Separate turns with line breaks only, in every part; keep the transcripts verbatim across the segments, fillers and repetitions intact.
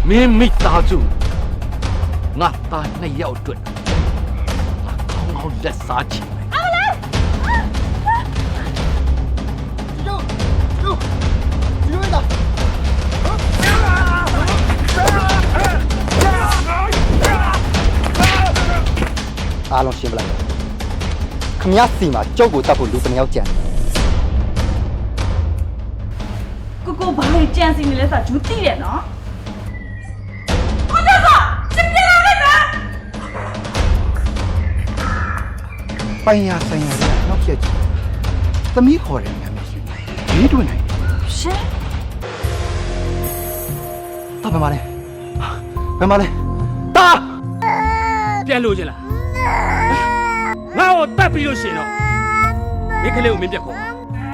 မင်းမိသားစုငါသားနှစ်ယောက်အတွက်ငါကောင်းကောင်းလက်စားချင်မယ်
အားလုံးရှင်းပလိုက်ခမရစီမှာကြောက်ကိုတတ်ဖို့လူတစ်ယောက်ကြံ
ကိုကိုဘာလို့ကြံစီနေလဲဆိုတာဂျူးသိတယ်နော်ကိုကျကစပြလာလိုက်တာ
ပိုင်ရဆိုင်ရတဲ့နောက်ချက်ကြီးသမီးခေါ်တယ်များမရှိဘူးရေးတွင်နိုင်
ရှင်
တော့ဘယ်မှာလဲဘယ်မှာလဲတာ
ပြန်လို့ချင်းလားငါ့ကိုတတ်ပြီးလို့ရှင်တော့မိခလေးကိုမင်းပြက်ခေါ်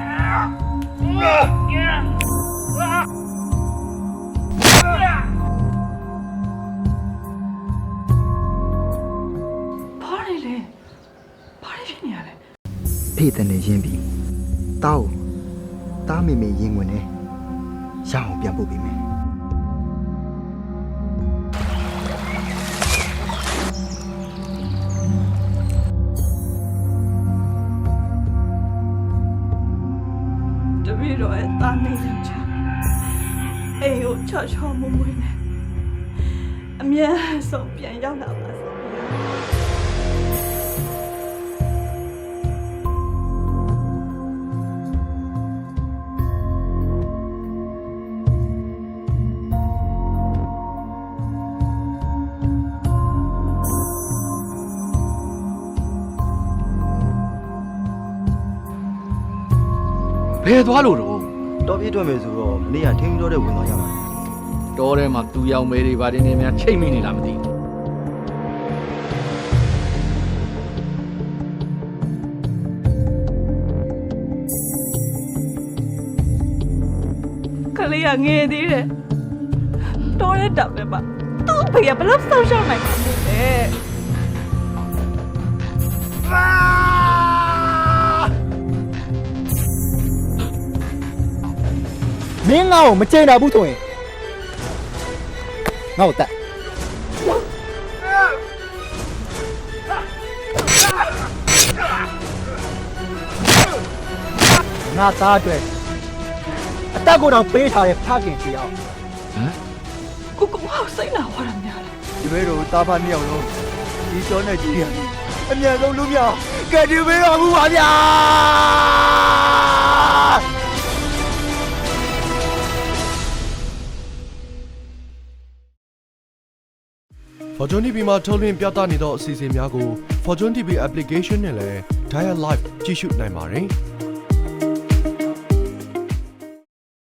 ဘာလဲလဲဘာလဲဖြစ်နေရလဲ
ဖေးတဲ့နေရင်းပြီးတောက်တားမေမေရင်ဝင်နေရအောင်ပြန်ပို့ပေးမယ်
တပည့်တော်ရဲ့တာနေယောက်ျားအေးကိုချောချောမွမွေးနေအမြဲဆုံးပြန်ရောက်လာပါစေ
ဘယ်သွားလို့တော့
တော့ပြည့်ထွက်မယ်ဆိုတော့မနေ့ကထင်းပြီးတော့တဲ့ဝင်သွားကြပါ
တော်ထဲမှာသူရောင်မဲတွေဗာတင်းနေများချိတ်မိနေလားမသိဘူး
ကလေးကငယ်သေးတယ်တော်တဲ့တပ်ပဲပါသူ့ဖေကဘယ်လောက်ဆောက်ရှောက်နိုင်မှာလဲ
မင်းငါ့ကိုမကြိမ်တာဘူးဆိုရင်ငါ့ကိုတတ်ငါသားအတွက်အတက်ကိုတော့ပေးထားတဲ့ဖခင်တယောက်
ဟမ်
ကိုကိုဟောက်စိတ်လာဟောတာများတယ်
ဒီဘဲတော့တာဖာမြောက်လုံးဒီစောနဲ့ကြီးရအမြန်ဆုံးလူမြောက်ကဲဒီဘေးတော်မူပါဗျာ
Fortune တီ ဗီ မှာထုတ်လွှင့်ပြသနေသောအစီအစဉ်များကို Fortune တီ ဗီ application နဲ့လည်း Dial Live ကြည့်ရှုနိုင်ပါတယ်။